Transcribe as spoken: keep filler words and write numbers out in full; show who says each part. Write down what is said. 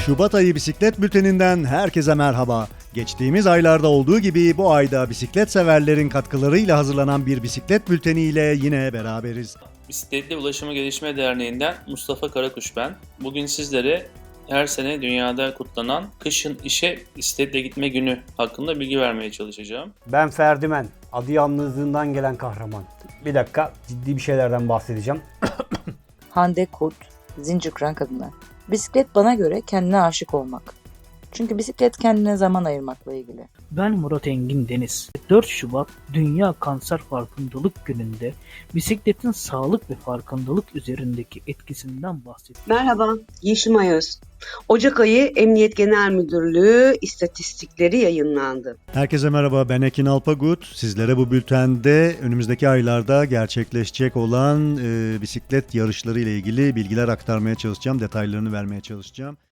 Speaker 1: Şubat ayı bisiklet bülteninden herkese merhaba. Geçtiğimiz aylarda olduğu gibi bu ayda bisiklet severlerin katkılarıyla hazırlanan bir bisiklet bülteniyle yine beraberiz.
Speaker 2: Bisikletli Ulaşımı Gelişme Derneği'nden Mustafa Karakuş ben. Bugün sizlere her sene dünyada kutlanan kışın işe bisikletle gitme günü hakkında bilgi vermeye çalışacağım.
Speaker 3: Ben Ferdimen, adı yalnızlığından gelen kahraman. Bir dakika, ciddi bir şeylerden bahsedeceğim.
Speaker 4: Hande Kurt, Zincirkıran Kadınlar. Bisiklet bana göre kendine aşık olmak. Çünkü bisiklet kendine zaman ayırmakla ilgili.
Speaker 5: Ben Murat Engin Deniz. dört Şubat Dünya Kanser Farkındalık Günü'nde bisikletin sağlık ve farkındalık üzerindeki etkisinden bahsediyorum.
Speaker 6: Merhaba, Yeşim Ayöz. Ocak ayı Emniyet Genel Müdürlüğü istatistikleri yayınlandı.
Speaker 1: Herkese merhaba, ben Ekin Alpagut. Sizlere bu bültende önümüzdeki aylarda gerçekleşecek olan e, bisiklet yarışları ile ilgili bilgiler aktarmaya çalışacağım, detaylarını vermeye çalışacağım.